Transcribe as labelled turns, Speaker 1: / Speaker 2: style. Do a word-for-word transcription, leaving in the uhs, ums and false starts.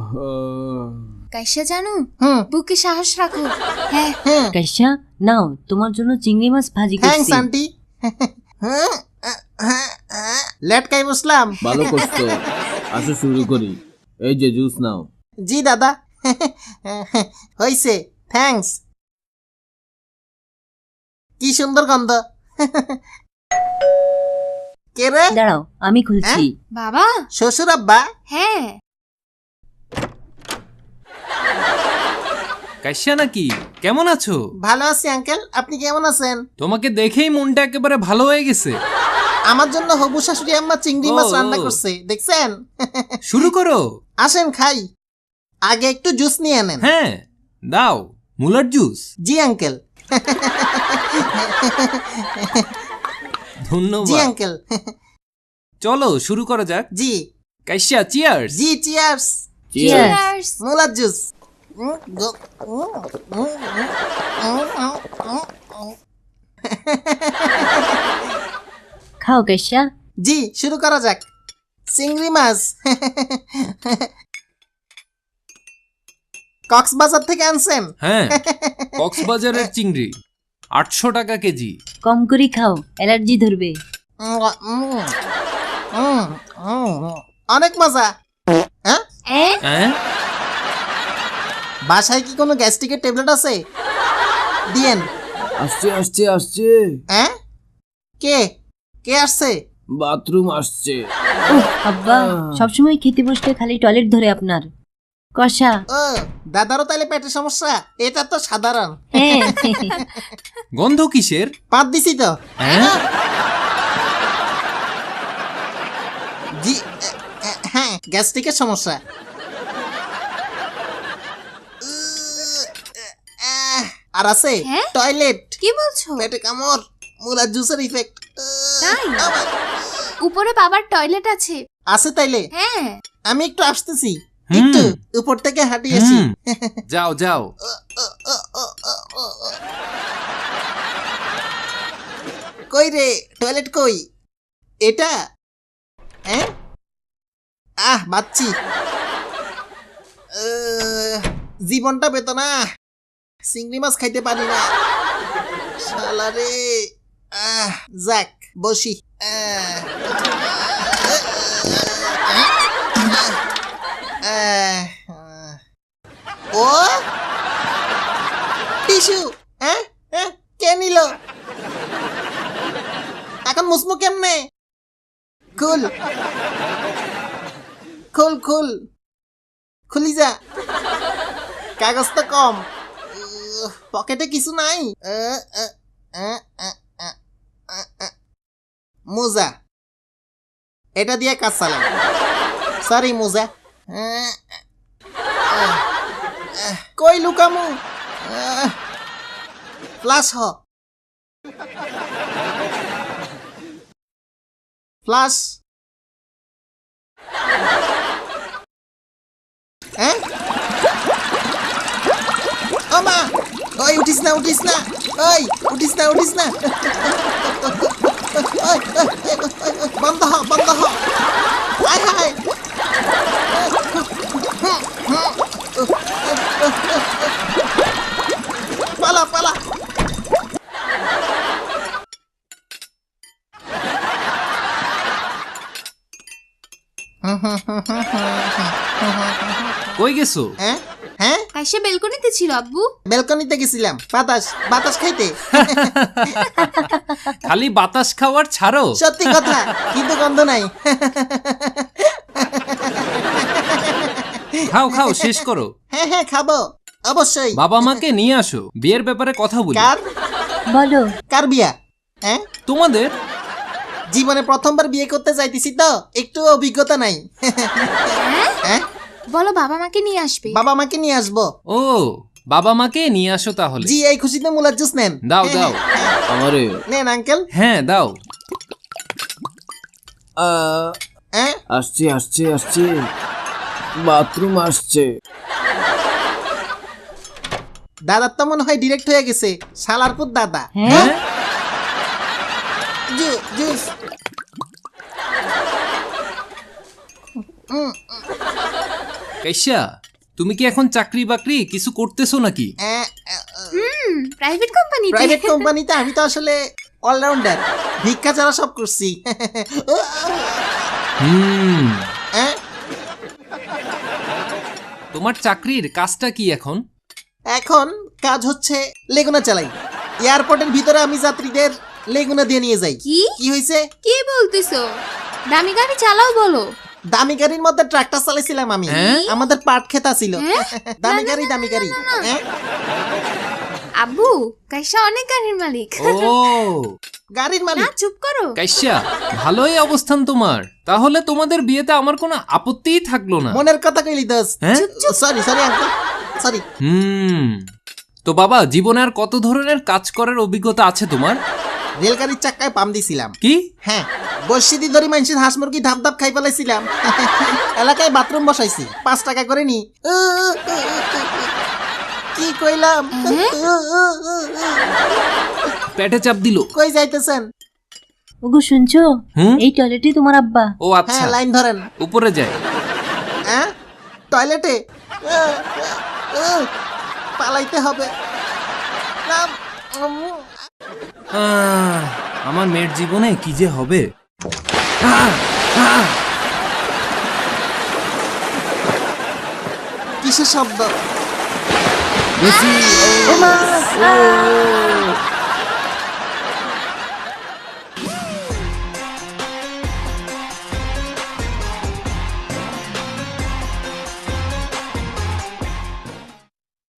Speaker 1: কাইসা জানো
Speaker 2: হুম
Speaker 1: বুকে সাহস রাখো। হ্যাঁ
Speaker 2: হ্যাঁ
Speaker 3: কাইসা নাও তোমার জন্য চিংড়ি মাছ ভাজি
Speaker 2: থ্যাঙ্কস
Speaker 3: করছি।
Speaker 2: আন্টি। লেটকাই বসলাম।
Speaker 4: ভালো করছো, আসো শুরু করি। এই যে জুস নাও।
Speaker 2: জি দাদা। হইছে, থ্যাঙ্কস। কি সুন্দর গন্ধ। কে রে?
Speaker 3: দাঁড়াও আমি খুলছি।
Speaker 1: বাবা।
Speaker 2: শ্বশুর আব্বা?
Speaker 1: হ্যাঁ
Speaker 5: কাইসা নাকি? কেমন আছো?
Speaker 2: ভালো আছি আঙ্কেল, আপনি কেমন আছেন?
Speaker 5: তোমাকে দেখেই মনটা একেবারে ভালো হয়ে গেছে।
Speaker 2: আমার জন্য হবু শাশুড়ি আম্মা চিংড়ি মাছ
Speaker 5: ও,
Speaker 2: রান্না
Speaker 5: ও।
Speaker 2: করছে, দেখছেন?
Speaker 5: শুরু করো।
Speaker 2: আসেন খাই, আগে একটু জুস নিয়ে নেন।
Speaker 5: হ্যাঁ দাও, মুলার জুস।
Speaker 2: জি আঙ্কেল। জি
Speaker 5: ধন্যবাদ।
Speaker 2: আঙ্কেল।
Speaker 5: চলো শুরু করা যাক।
Speaker 2: জি
Speaker 5: কাইসা চিয়ার্স।
Speaker 2: জি চিয়ার্স।
Speaker 3: Cheers.
Speaker 1: Cheers!
Speaker 2: মুলার জুস।
Speaker 3: খাও কাইসা।
Speaker 2: জি শুরু করা যাক। চিংড়ি মাছ কক্সবাজার থেকে আনছেন?
Speaker 5: হ্যাঁ, কক্সবাজারের চিংড়ি আটশো টাকা কেজি।
Speaker 3: কম করে খাও, অ্যালার্জি ধরবে।
Speaker 2: উম, উম, উম, উম, অনেক মজা। হ্যাঁ,
Speaker 1: এ
Speaker 5: হ্যাঁ
Speaker 2: বাসায় কি কোনো গ্যাস্ট্রিকের ট্যাবলেট আছে? দিয়েন।
Speaker 4: আসছে আসছে আসছে,
Speaker 2: হ্যাঁ, কে কে আসছে?
Speaker 4: বাথরুম আসছে।
Speaker 3: উহ, আব্বা সবসময় খেতে বসলে খালি টয়লেট ধরে আপনার। কষা।
Speaker 2: ও দাদারও তাইলে পেটের সমস্যা? এটা তো সাধারণ।
Speaker 3: হ্যাঁ
Speaker 5: গন্ধ কিসের?
Speaker 2: পাত দিছি তো।
Speaker 5: হ্যাঁ
Speaker 2: জি এ, এ, হ্যাঁ গ্যাস্ট্রিকের সমস্যা। উহ, আহ, আর আছে
Speaker 1: হ্যাঁ?
Speaker 2: টয়লেট,
Speaker 1: কি বলছো?
Speaker 2: পেটে কামড়, মুলার জুসের ইফেক্ট।
Speaker 1: তাই? উপরে বাবার টয়লেট আছে।
Speaker 2: আছে তাইলে?
Speaker 1: হ্যাঁ
Speaker 2: আমি একটু আসতেছি,
Speaker 5: হুম।
Speaker 2: একটু উপর থেকে হাঁটি আসি।
Speaker 5: হুম, যাও যাও।
Speaker 2: কই রে টয়লেট কই? এটা? হ্যাঁ, আহ বাচ্চি। আহ, জীবনটা পেত না, চিংড়ি মাছ খাইতে পারি না শালা রে। আহ যাক বসি। আহ, আহ, আহ, ও টিস্যু। হ্যাঁ হ্যাঁ, কে নিল? এখন মুসমু কেমনে? খুল খুল খুল খুলি যা, কাগজ তো কম। উহ, পকেটে কিছু নাই। আহ, আহ, আহ, আহ, আহ, আহ, আহ। মোজা, এটা দিয়ে কাজ চালাম। সরি মোজা। আহ, আহ, আহ, কই লুকামু? আহ, ফ্লাশ হ, ফ্লাশ। হ্যাঁ, ও মা, ওই উঠিস না উঠিস না, ওই উঠিস না উঠিস না। ওই, ওই, ওই, ওই, ওই, বন্ধ হ বন্ধ হ। হায় হায়, পালা পালা।
Speaker 5: কই গেছো?
Speaker 2: হ্যাঁ হ্যাঁ,
Speaker 1: কাইসা বেলকনিতে ছিল আব্বু।
Speaker 2: বেলকনিতে গেছিলাম বাতাস বাতাস খাইতে।
Speaker 5: খালি বাতাস খাওয়ার ছাড়ো।
Speaker 2: সত্যি কথা, কিন্তু গন্ধ নাই।
Speaker 5: খাও খাও, শেষ করো।
Speaker 2: হ্যাঁ হ্যাঁ খাবো অবশ্যই।
Speaker 5: বাবা মাকে নিয়ে আসো, বিয়ের ব্যাপারে কথা বলি।
Speaker 2: কার
Speaker 3: বলো।
Speaker 2: কার বিয়া? হ্যাঁ,
Speaker 5: তোমাদের।
Speaker 2: জীবনে প্রথমবার বিয়ে করতে যাইতেছি তো, একটু অভিজ্ঞতা নাই। হ্যাঁ,
Speaker 1: বলো বাবা মাকে নিয়ে আসবে।
Speaker 2: বাবা মাকে নিয়ে আসবো।
Speaker 5: ও, বাবা মাকে নিয়ে আসো তাহলে।
Speaker 2: জি, এই খুশিতে মুলার জুস নেন।
Speaker 5: দাও
Speaker 2: হ্যাঁ,
Speaker 5: দাও।
Speaker 2: হ্যাঁ,
Speaker 4: আমারে
Speaker 2: নেন আঙ্কেল।
Speaker 5: হ্যাঁ দাও।
Speaker 4: আহ,
Speaker 2: হ্যাঁ,
Speaker 4: আসছে আসছে আসছে, বাথরুম আসছে।
Speaker 2: দাদার তো মনে হয় ডিরেক্ট হয়ে গেছে, শালারপুর দাদা।
Speaker 3: হ্যাঁ
Speaker 2: জু- জুস। উম,
Speaker 5: কাইসা তুমি কি এখন চাকরি বাকরি কিছু করতেছো নাকি?
Speaker 1: হুম প্রাইভেট কোম্পানিতে
Speaker 2: প্রাইভেট কোম্পানিতে আমি তো আসলে অলরাউন্ডার, ভিক্ষা ছাড়া সব করছি।
Speaker 5: হুম
Speaker 2: হ্যাঁ?
Speaker 5: তোমার চাকরির কাজটা কি এখন?
Speaker 2: এখন কাজ হচ্ছে লেগুনা চালাই। এয়ারপোর্টের ভিতরে আমি যাত্রীদের লেগুনা দিয়ে নিয়ে যাই।
Speaker 1: কি
Speaker 2: কি হয়েছে?
Speaker 1: কি বলতেছো? দামি গাড়ি চালাও বলো।
Speaker 2: দামি গাড়ির মধ্যে ট্রাক্টর চালাইছিলাম আমি।
Speaker 5: হ্যাঁ?
Speaker 2: আমাদের পাট খেতা ছিল।
Speaker 1: হ্যাঁ?
Speaker 2: দামি
Speaker 1: না,
Speaker 2: গাড়ি
Speaker 1: না,
Speaker 2: দামি
Speaker 1: না,
Speaker 2: গাড়ি।
Speaker 1: না, না, না।
Speaker 2: হ্যাঁ?
Speaker 1: আব্বু কাইসা অনেক গাড়ির মালিক।
Speaker 5: ও
Speaker 2: গাড়ির
Speaker 1: না
Speaker 2: মালিক।
Speaker 1: চুপ করো।
Speaker 5: কাইসা ভালোই অবস্থান তোমার, তাহলে তোমাদের বিয়েতে আমার কোনো আপত্তিই থাকলো না।
Speaker 2: মনের কথা কইলি দোস্ত।
Speaker 5: হ্যাঁ?
Speaker 2: Sorry sorry uncle, sorry.
Speaker 5: হুম তো বাবা, জীবনে আর কত ধরনের কাজ করার অভিজ্ঞতা আছে তোমার?
Speaker 2: রেলগাড়ির চাক্কায় পাম দিছিলাম।
Speaker 5: কি?
Speaker 2: হ্যাঁ, বর্ষিদি ধরি মানুষের হাঁস মুরগি ধাপ ধাপ খাই ফেলাইছিলাম। এলাকায় বাথরুম বসাইছি, পাঁচ টাকা করে নি। কি কইলাম?
Speaker 5: পেটে চাপ দিল।
Speaker 2: কই যাইতেছেন?
Speaker 3: ওগো শুনছো,
Speaker 5: হুম
Speaker 3: এই টয়লেটই তোমার আব্বা।
Speaker 5: ও আচ্ছা,
Speaker 2: হ্যাঁ, লাইন ধরেন।
Speaker 5: উপরে যায়।
Speaker 2: হ্যাঁ, টয়লেটে পালাইতে হবে না। উম,
Speaker 5: আহ, আমার মেয়ের জীবনে কি যে হবে। আহ, আহ,
Speaker 2: কিসের শব্দ?
Speaker 5: বেশি, ও, ও,